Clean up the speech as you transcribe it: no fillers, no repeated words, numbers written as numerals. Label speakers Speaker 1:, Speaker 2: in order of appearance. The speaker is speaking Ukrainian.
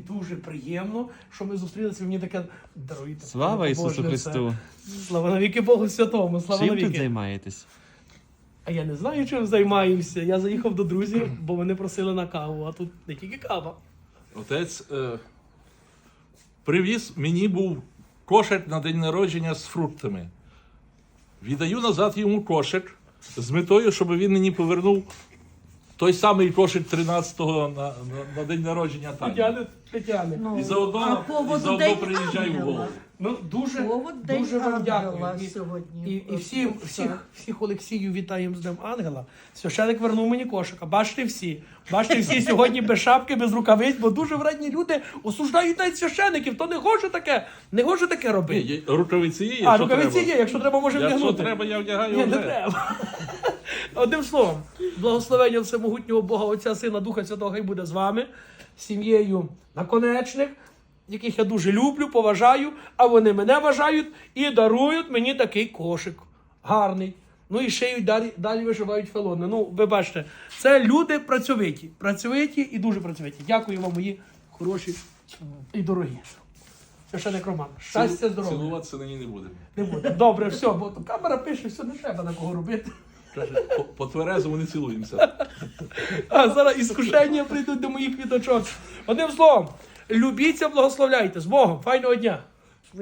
Speaker 1: дуже приємно, що ми зустрілися. Мені таке даруйте.
Speaker 2: Слава Ісусу
Speaker 1: Побожне
Speaker 2: Христу!
Speaker 1: це. Слава навіки Богу Святому. Слава
Speaker 2: Чим тут
Speaker 1: навіки.
Speaker 2: займаєтесь?
Speaker 1: А я не знаю, чим займаємося. Я заїхав до друзів, бо вони просили на каву, а тут не тільки кава.
Speaker 3: Отець привіз, мені був кошик на день народження з фруктами. Віддаю назад йому кошик з метою, щоб він мені повернув той самий кошик 13-го на день народження Тані.
Speaker 1: Тетяни.
Speaker 3: І заодно
Speaker 4: День
Speaker 3: приїжджаю в
Speaker 4: Ангела.
Speaker 3: голову.
Speaker 1: Ну, дуже
Speaker 4: День
Speaker 1: вам
Speaker 4: Ангела
Speaker 1: дякую.
Speaker 4: сьогодні.
Speaker 1: І всіх Олексіїв вітаємо з Днем Ангела. Священик вернув мені кошика. Бачите всі сьогодні без шапки, без рукавиць, бо дуже вредні люди осуждають навіть священиків. То не хоче таке робити.
Speaker 3: Ні, рукавиці є,
Speaker 1: А,
Speaker 3: якщо
Speaker 1: рукавиці
Speaker 3: треба.
Speaker 1: є, якщо треба, може
Speaker 3: Якщо
Speaker 1: вдягнути.
Speaker 3: треба, я вдягаю
Speaker 1: Ні,
Speaker 3: вже.
Speaker 1: не треба. Одним словом, благословення всемогутнього Бога, Отця, Сина, Духа Святого, хай буде з вами, сім'єю Наконечних, яких я дуже люблю, поважаю, а вони мене вважають і дарують мені такий кошик. Гарний. Ну і шиють, далі вишивають фелони. Ну, ви бачите, це люди працьовиті і дуже працьовиті. Дякую вам, мої хороші і дорогі. Священик Роман. Щастя, здоров'я.
Speaker 3: Цілуватися на ній не будемо.
Speaker 1: Не буде. Добре, все, бо то камера пише, все, не треба на кого робити.
Speaker 3: Каже, по тверезому не цілуємося.
Speaker 1: А зараз іскушення прийдуть до моїх квіточок. Одним словом, любіться, благословляйте. З Богом. Файного дня.